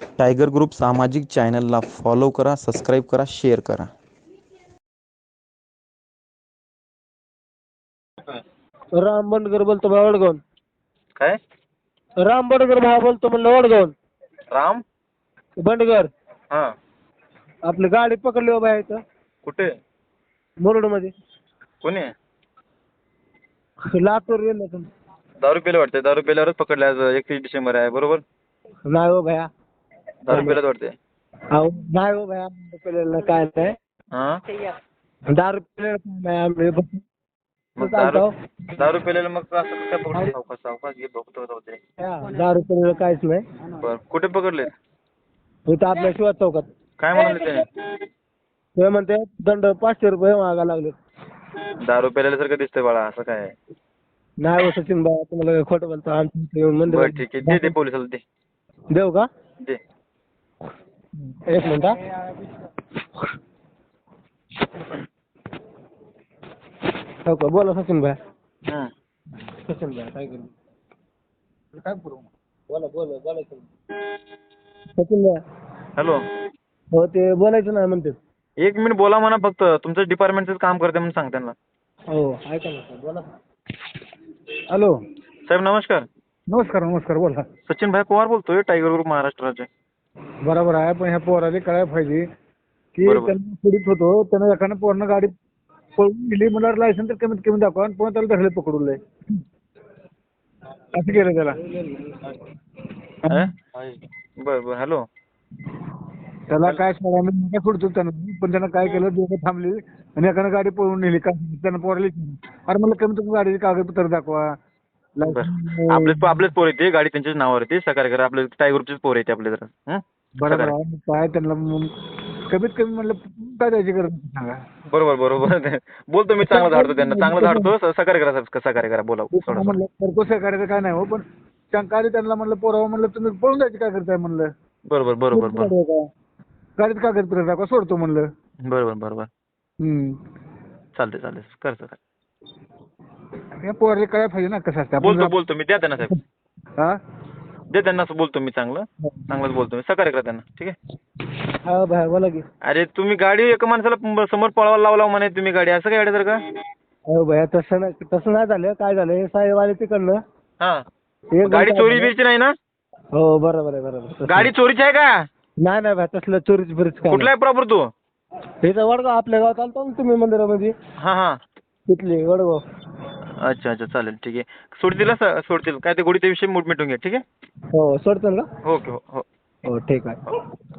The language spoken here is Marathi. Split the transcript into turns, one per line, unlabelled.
टायगर ग्रुप सामाजिक चॅनलला फॉलो करा, सबस्क्राईब करा, शेअर करा.
राम बंडगर बोलतो भाऊ वडगाव.
काय?
राम बंडगर भाऊ बोलतो म्हणलं वडगाव.
राम
बंडगर
हा
आपली गाडी पकडली हो बाया इथं
कुठे?
मुरुडमध्ये.
कोणी?
लातूर गेलं तुम्ही.
दारू पेले वाटते. दारू पेल्यावरच पकडले. आज 31 डिसेंबर आहे बरोबर.
नाही हो भया.
दारू पेल्यात वाटते.
अहो नाही हो भया, पेलेलं काय नाही.
हा
दारू पेलेलं काय नाही आम्ही.
मग दारू पेलेलं मग असं काय पकडलं? सावकाश सावकाश घे बघतो होते.
दारू पेलेलं काहीच नाही.
बर कुठे पकडले?
इथं आपल्या शिवाज चौकात.
काय म्हणाले त्याने?
ते म्हणते दंड 500 रुपये मागा लागले.
दारू पेल्यासारखं दिसतंय बाळा. असं काय?
नाही हो सचिन भाऊ, तुम्हाला काय खोटं बोलतो. आमच्या येऊन
बर
मंदिर
ठीक आहे. दे पोलिसाला दे.
देऊ का?
दे.
एक मिनिट हा. हो का, बोला सचिन भाई.
हं.
सचिन भाई काय करू? काय करू? बोला बोलायचं. सचिन भाई.
हॅलो.
हो ते बोलायचं नाही म्हणते.
1 मिनिट बोला म्हणा फक्त. तुमचं डिपार्टमेंटचं काम करते म्हणून सांग त्यांना.
हो ऐका ना सर, बोला. हॅलो
साहेब नमस्कार.
नमस्कार नमस्कार, बोला.
सचिन भाई पवार बोलतोय, टायगर ग्रुप महाराष्ट्राचे.
बरोबर आहे, पण ह्या पोराला कळायला पाहिजे की
बरोबर.
त्यांना पीडित होतो, त्यानं एकानं पोरानं गाडी पळून गेली म्हणल्यावर लायसन तर कमीत कमी दाखवा, आणि पुन्हा त्याला धरले पकडून लय असं केलं त्याला.
बर बर. हॅलो.
त्याला काय सोडा मी काय सोडतो त्यानं, पण त्यानं काय केलं, दोघं थांबली आणि एकानं गाडी पळून नेली. का त्यानं पोराला अरे मला कमीत कमी गाडीचे कागदपत्र दाखवा.
बरं आपलेच पोर येते. गाडी त्यांच्याच नावावर येते. सकाळी करा. आपले टायगर ग्रुपचेच पोर येते आपले जरा.
बरोबर आहे. काय त्यांना कमीत कमी म्हणलं काय द्यायची गरज नाही सांगा.
बरोबर बरोबर. बोलतो मी, चांगलं धाडतो त्यांना. चांगलं धाडतो. सकाळी करा साहेब, सकाळी करा. बोला.
म्हणलं करतो सहकार्याचं काय नाही हो, पण शंका आली त्यांना. म्हणलं पोरावं, म्हणलं तुम्ही पळून जायची काय करताय म्हणलं.
बरोबर बरोबर बरोबर.
गाडीत कागदपत्र दाखवा, सोडतो म्हणलं.
बरोबर बरोबर. चालते चालते. कर सर.
या पोराला काय पाहिजे ना कसं असतं.
बोलतो मी. द्या त्यांना साहेब.
हा
दे त्यांना. बोलतो मी. चांगलंच बोलतो मी. सकाळी करा त्यांना. ठीक आहे.
हा भाई बोला की.
अरे तुम्ही गाडी एका माणसाला समोर पळवायला लावला म्हणे तुम्ही गाडी. असं काय तर का?
हो भैया तसं नाही झालं. काय झालं, हे साहेब आले तिकडनं.
हा गाडी चोरी बिरीची नाही ना?
हो बरोबर आहे बरोबर.
गाडी चोरीची आहे का?
नाही भाई, तसलं चोरीच बिरीच काय.
कुठला आहे प्रॉपर तू?
इथं वडगाव आपल्या गावात आलतो ना तुम्ही मंदिरामध्ये.
हा हा.
तिथली वडगाव.
अच्छा अच्छा चालेल ठीक आहे. सोडतील काय ते गोडीचा विषय मिटून घ्या. ठीक आहे.
हो सोडतो ना.
ओके. हो हो.
हो ठीक आहे.